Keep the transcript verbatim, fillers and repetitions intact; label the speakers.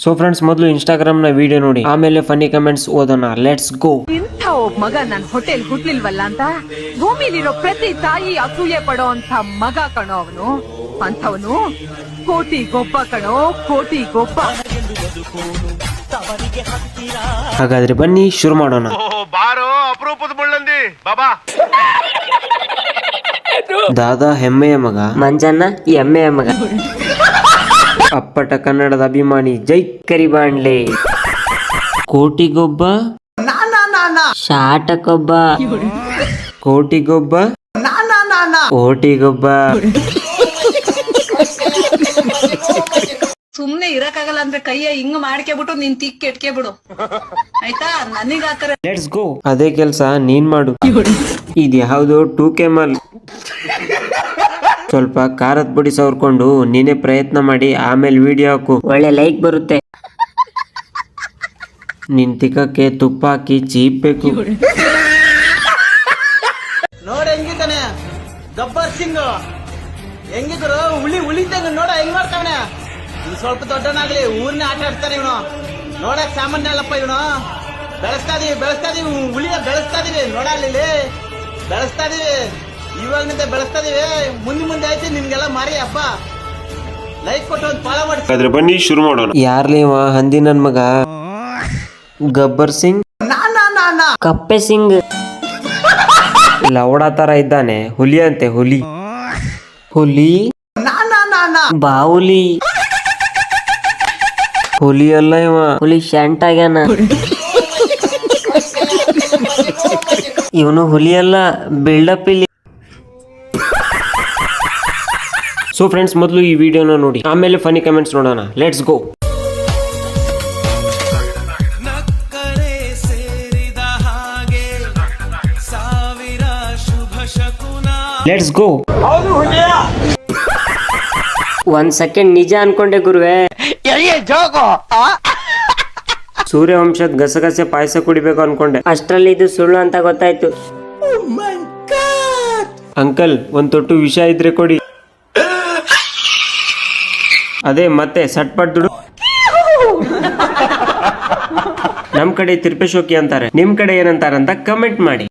Speaker 1: So friends, ಮೊದಲು Instagram ನ video ನೋಡಿ, ಆಮೇಲೆ ಫನ್ನಿ ಕಮೆಂಟ್ಸ್ ಓದೋಣ. Let's go.
Speaker 2: ಇಂಥ ಒಬ್ಬ ಮಗ ನನ್ ಹೋಟೆಲ್ ಹುಟ್ಲಿಲ್ವಲ್ಲ ಅಂತ ಭೂಮಿಲಿರೋ ಪ್ರತಿ ತಾಯಿ ಅಸೂಯೆ ಪಡೋ ಅಂತ ಮಗ ಕಣೋ ಅವನು. ಅಂಥವನು ಕೋಟಿ ಗೊಬ್ಬ ಕಣೋ, ಕೋಟಿ ಗೊಬ್ಬ.
Speaker 1: ಹಾಗಾದ್ರೆ ಬನ್ನಿ ಶುರು ಮಾಡೋಣ.
Speaker 3: ಬಾರೋ ಅಪರೂಪದ ಮುಳ್ಳಂದಿ ಬಾಬಾ.
Speaker 1: ದಾದಾ ಹೆಮ್ಮೆಯ ಮಗ,
Speaker 4: ಮಂಜಣ್ಣ ಎಮ್ಮೆಯ ಮಗ,
Speaker 1: ಅಪ್ಪಟ ಕನ್ನಡದ ಅಭಿಮಾನಿ ಜೈ ಕರಿಬಾಂಡ್ಲೆ. ಕೋಟಿಗೊಬ್ಬ,
Speaker 4: ಶಾಟಕೊಬ್ಬ,
Speaker 1: ಕೋಟಿಗೊಬ್ಬ, ಕೋಟಿಗೊಬ್ಬ.
Speaker 2: ಸುಮ್ನೆ ಇರಕ್ಕಾಗಲ್ಲ ಅಂದ್ರೆ ಕೈಯ ಹಿಂಗ್ ಮಾಡ್ಕೆಬಿಟ್ಟು ನೀನ್ ತಿಕ್ ಕೆಟ್ಕೆ ಬಿಡು ಆಯ್ತಾ. ನನಗ್ ಆತರ
Speaker 1: ಲೆಟ್ಸ್ ಗೋ. ಅದೇ ಕೆಲ್ಸ ನೀನ್ ಮಾಡು. ಇದು ಯಾವ್ದು ಟೂ ಕೆಮಲ್. ಸ್ವಲ್ಪ ಖಾರದ ಪುಡಿ ಸವರ್ಕೊಂಡು ನೀನೇ ಪ್ರಯತ್ನ ಮಾಡಿ, ಆಮೇಲೆ ವಿಡಿಯೋ ಹಾಕು.
Speaker 4: ಒಳ್ಳೆ ಲೈಕ್ ಬರುತ್ತೆ.
Speaker 1: ನಿನ್ ತಿಕ್ಕಕ್ಕೆ ತುಪ್ಪ ಹಾಕಿ ಚೀಪ್ಬೇಕು.
Speaker 5: ನೋಡ ಹೆಂಗಿದ್ದಾನೆ ಗಬ್ಬರ್ ಸಿಂಗ್, ಹೆಂಗಿದ್ರು ಹುಳಿ ಉಳಿದಂಗ ನೋಡ ಹೆಂಗ್ ಮಾಡ್ತಾವನೆ. ಇವ್ ಸ್ವಲ್ಪ ದೊಡ್ಡನಾಗ್ಲಿ ಊರ್ನೇ ಆಟ ಆಡ್ತಾನೆ ಇವನು. ನೋಡಕ್ ಸಾಮಾನ್ಯ ಅಲ್ಲಪ್ಪ ಇವನು. ಬೆಳೆಸ್ತಾ ಇದೀವಿ ಬೆಳೆಸ್ತಾ ಇದೀವಿ ಹುಳಿಯ ಬೆಳೆಸ್ತಾ ಇದೀವಿ. ನೋಡಲ್ಲಿ ಬೆಳೆಸ್ತಾ ಇದೀವಿ, ಇವಾಗಿನಿಂದ ಬೆಳೆಸ್ತಾ ಇದೀವಿ. ಮುಂದೆ ಮುಂದೆ ಆಯ್ತು ನಿಮ್ಗೆಲ್ಲ ಮಾರಿ ಹಬ್ಬ. ಲೈಕ್ ಕೊಟ್ಟು ಒಂದು ಫಾಲೋ ಮಾಡಿ.
Speaker 1: ಬನ್ನಿ ಶುರು ಮಾಡೋಣ. ಯಾರ್ಲೇವ ಹಂದಿ ನನ್ ಮಗ? ಗಬ್ಬರ್ ಸಿಂಗ್,
Speaker 4: ಕಪ್ಪೆ ಸಿಂಗ್,
Speaker 1: ಲವಡ ತರ ಇದ್ದಾನೆ. ಹುಲಿ ಅಂತೆ, ಹುಲಿ. ಹುಲಿ,
Speaker 4: ಬಾವುಲಿ,
Speaker 1: ಹುಲಿ ಅಲ್ಲ ಇವ.
Speaker 4: ಹುಲಿ ಶಂಟ್ ಆಗ್ಯಾನ.
Speaker 1: ಇವನು ಹುಲಿ ಅಲ್ಲ, ಬಿಲ್ಡಪ್ ಇಲ್ಲಿ. ಸೊ ಫ್ರೆಂಡ್ಸ್, ಮೊದಲು ಈ ವಿಡಿಯೋನ ನೋಡಿ, ಆಮೇಲೆ ಫನಿ ಕಮೆಂಟ್ಸ್ ನೋಡೋಣ. Let's go. Let's go.
Speaker 4: ಒಂದ್ ಸೆಕೆಂಡ್ ನಿಜ ಅನ್ಕೊಂಡೆ ಗುರುವೆ.
Speaker 1: ಸೂರ್ಯವಂಶದ ಗಸಗಸೆ ಪಾಯಸ ಕುಡಿಬೇಕು ಅನ್ಕೊಂಡೆ.
Speaker 4: ಅಷ್ಟ್ರಲ್ಲಿ ಇದು ಸುಳ್ಳು ಅಂತ ಗೊತ್ತಾಯ್ತು.
Speaker 1: ಅಂಕಲ್, ಒಂದ್ ತೊಟ್ಟು ವಿಷ ಇದ್ರೆ ಕೊಡಿ. ಅದೇ ಮತ್ತೆ ಸಟ್ಪಟ್ ದುಡು. ನಮ್ ಕಡೆ ತಿರ್ಪೇಶೋಕಿ ಅಂತಾರೆ, ನಿಮ್ ಕಡೆ ಏನಂತಾರಂತ ಕಮೆಂಟ್ ಮಾಡಿ.